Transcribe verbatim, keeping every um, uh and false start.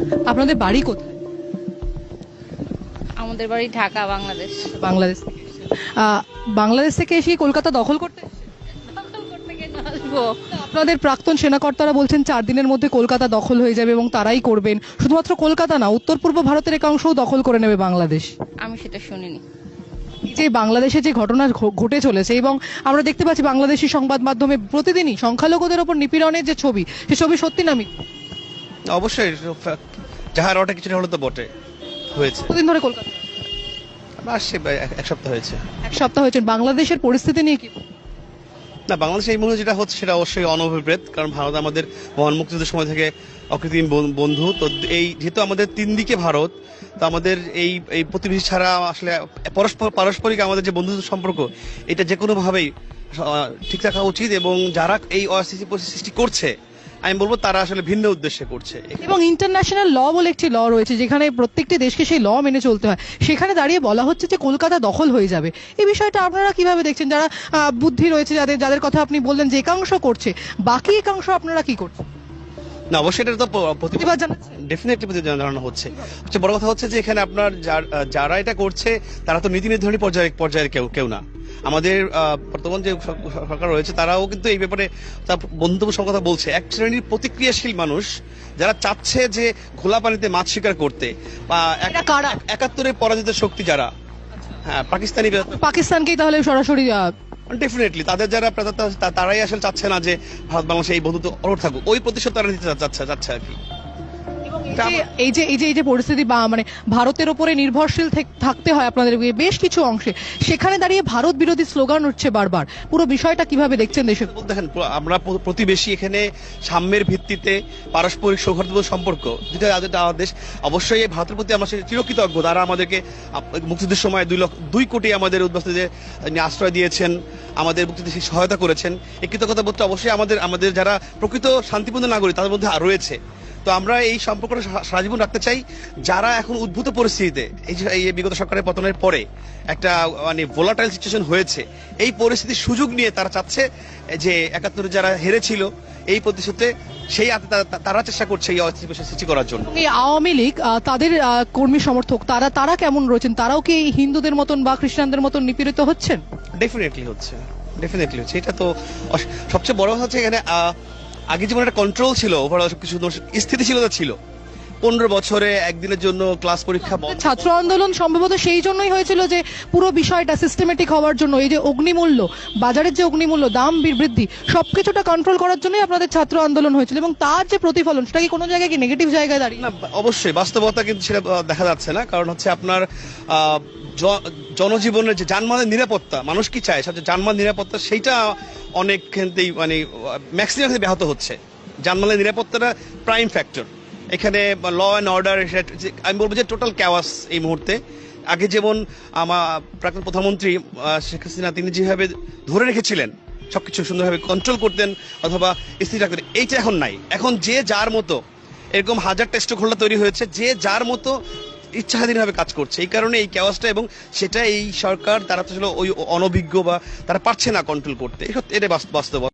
আপনাদের বাড়ি কোথায়? আমাদের বাড়ি ঢাকা, বাংলাদেশ। বাংলাদেশ থেকে এসেছেন। আহ, বাংলাদেশ থেকে এসে কলকাতা দখল করতে এসেছেন? দখল করতে কেন আসবো? আপনাদের প্রাক্তন সেনাকর্তারা বলছেন চার দিনের মধ্যে কলকাতা দখল হয়ে যাবে এবং তারাই করবেন। শুধুমাত্র কলকাতা না, উত্তর পূর্ব ভারতের একাংশও দখল করে নেবে বাংলাদেশ। আমি সেটা শুনিনি। এই যে বাংলাদেশে যে ঘটনা ঘ- ঘটে চলেছে এবং আমরা দেখতে পাচ্ছি বাংলাদেশি সংবাদ মাধ্যমে প্রতিদিনই সংখ্যালঘুদের ওপর নিপীড়নের যে ছবি, সে ছবি সত্যি না মিথ্যা? অবশ্যই যাহার ওটা কিছুটা হলে তো বটে হয়েছে। কতদিন ধরে কলকাতা? আসছে এক সপ্তাহ হয়েছে। এক সপ্তাহ হয়েছে। বাংলাদেশের পরিস্থিতি নিয়ে কি? না, বাংলাদেশে এই মুহূর্তে যেটা হচ্ছে সেটা অবশ্যই অনভিপ্রেত, কারণ ভারত আমাদের মহান মুক্তিযুদ্ধের সময় থেকে অকৃত্রিম বন- বন্ধু। তো এই যেহেতু আমাদের তিন দিকে ভারত, তো আমাদের এই এই প্রতিবেশী ছাড়া আসলে পরস্পর পারস্পরিক আমাদের যে বন্ধুত্ব সম্পর্ক, এটা যে কোনো ভাবেই আহ, ঠিক রাখা উচিত। এবং যারা এই অস্থিতি পরিস্থিতি সৃষ্টি করছে, আমি বলবো তারা আসলে ভিন্ন উদ্দেশ্যে করছে। এবং ইন্টারন্যাশনাল ল বলে একটি ল রয়েছে যেখানে প্রত্যেকটি দেশকে সেই ল মেনে চলতে হয়। সেখানে দাঁড়িয়ে বলা হচ্ছে যে কলকাতা দখল হয়ে যাবে। এই বিষয়টা আপনারা কিভাবে দেখছেন? যারা আহ, বুদ্ধি রয়েছে, যাদের যাদের কথা আপনি বললেন যে একাংশ করছে, বাকি একাংশ আপনারা কি করছেন? না, অবশ্যই এটা তো প- প্রতিবাদ প্রতিবাদ জানাচ্ছেন? ডেফিনেটলি প্রতিবাদ জানানো হচ্ছে। সবচেয়ে বড় কথা হচ্ছে যে এখানে আপনার যার- যারা এটা করছে তারা তো নীতি নির্ধারণী পর্যায়ে পর্যায়ের কেউ কেউ না। আমাদের আহ, বর্তমান যে সর- সরকার রয়েছে তারাও কিন্তু এই ব্যাপারে তার বন্ধুত্ব কথা বলছে। এক শ্রেণীর প্রতিক্রিয়াশীল মানুষ যারা চাচ্ছে যে ঘোলা পানিতে মাছ শিকার করতে, বা এক- এরা কারা? একাত্তরের পরাজিত শক্তি যারা, হ্যাঁ পাকিস্তানি, পাকিস্তানকেই তাহলে সরাসরি আহ, ডেফিনেটলি তাদের যারা প্রা- তা- তা- তারাই আসলে চাচ্ছে না যে ভারত বাংলাদেশে এই বন্ধুত্ব অরোট থাকুক। ওই প্রতিশোধ তারা নিতে চা- চাচ্ছে চাচ্ছে আর কি। এই যে- এই যে এই যে এই যে পরিস্থিতি বা মানে ভারতের উপরে নির্ভরশীল থেক- থাকতে হয় আপনাদের বেশ কিছু অংশে, সেখানে দাঁড়িয়ে ভারত বিরোধী স্লোগান উঠছে বারবার। পুরো বিষয়টা কিভাবে দেখছেন দেশে? দেখেন, পুরো আমরা প- প্রতিবেশী, এখানে সাম্যের ভিত্তিতে পারস্পরিক সৌহার্দ্যপূর্ণ সম্পর্ক যেটা যেটা আমাদের দেশ। অবশ্যই এই ভারতের প্রতি আমরা সে- চিরকৃতজ্ঞ। তারা আমাদেরকে আপ- মুক্তিযুদ্ধের সময় দুই লক্ষ দুই কোটি আমাদের উদ্বাস্তুদের আশ্রয় দিয়েছেন, আমাদের মুক্তিযুদ্ধে সেই সহায়তা করেছেন। এই কৃতজ্ঞতা বোধটা অবশ্যই আমাদের আমাদের যারা প্রকৃত শান্তিপূর্ণ নাগরিক তাদের মধ্যে রয়েছে। তো আমরা এই সম্পর্কটা সা- সারা জীবন রাখতে চাই। যারা এখন উদ্ভূত পরিস্থিতিতে, এই যে এই বিগত সরকারের পতনের পরে একটা মানে ভোলাটাইল সিচুয়েশন হয়েছে, এই পরিস্থিতির সুযোগ নিয়ে তারা চাচ্ছে যে একাত্তরে যারা হেরেছিল এই প্রতিশোধে সেই আ- তা- তা- তারা চেষ্টা করছে এই অস্থিতি পরিস্থিতি সৃষ্টি করার জন্য। এই আওয়ামী লীগ আহ, তাদের আহ, কর্মী সমর্থক তারা তারা কেমন রয়েছেন? তারাও কি এই হিন্দুদের মতন বা খ্রিস্টানদের মতন নিপীড়িত হচ্ছেন? ডেফিনেটলি হচ্ছে, ডেফিনেটলি হচ্ছে। এটা তো অস- সবচেয়ে বড় কথা হচ্ছে এখানে আহ, আগে যেমন একটা কন্ট্রোল ছিল, ওভারঅল সবকিছু স্থিতিশীলতা ছিল। পনেরো বছরে একদিনের জন্য ক্লাস পরীক্ষা বন্ধ। ছাত্র আন্দোলন সম্ভবত সেই জন্যই হয়েছিল যে পুরো বিষয়টা সিস্টেমেটিক হওয়ার জন্য, এই যে অগ্নিমূল্য, বাজারের যে অগ্নিমূল্য, দাম বি- বৃদ্ধি, সবকিছুটা কন্ট্রোল করার জন্যই আপনাদের ছাত্র আন্দোলন হয়েছিল। এবং তার যে প্রতিফলন, সেটা কি কোনো জায়গায় কি নেগেটিভ জায়গায় দাঁড়িয়ে? না, অবশ্যই বাস্তবতা কিন্তু সেটা আহ, দেখা যাচ্ছে না। কারণ হচ্ছে আপনার আহ, জ- জনজীবনের যে যানবাহনের নিরাপত্তা, মানুষ কি চায় সবচেয়ে যানবাহন নিরাপত্তা, সেইটা অনেক ক্ষেত্রেই মানে ম্যাক্সিমাম ক্ষেত্রে ব্যাহত হচ্ছে। যানবাহনের নিরাপত্তাটা প্রাইম ফ্যাক্টর এখানে। ল অ্যান্ড অর্ডার, আমি বলবো যে টোটাল ক্যাওয়াস এই মুহূর্তে। আগে যেমন আমার প্রাক্তন প্রধানমন্ত্রী আহ, শেখ হাসিনা তিনি যেভাবে ধরে রেখেছিলেন, সবকিছু সুন্দরভাবে কন্ট্রোল করতেন অথবা স্থির রাখতেন, এইটা এখন নাই। এখন যে যার মতো, এরকম হাজার টেস্ট খোলা তৈরি হয়েছে, যে যার মতো ইচ্ছাধীনভাবে কাজ করছে। এই কারণে এই ক্যাওয়াসটা, এবং সেটা এই সরকার তারা তো আসলে ওই অনভিজ্ঞ বা তারা পারছে না কন্ট্রোল করতে। এই সত্যি এটা বাস্তব।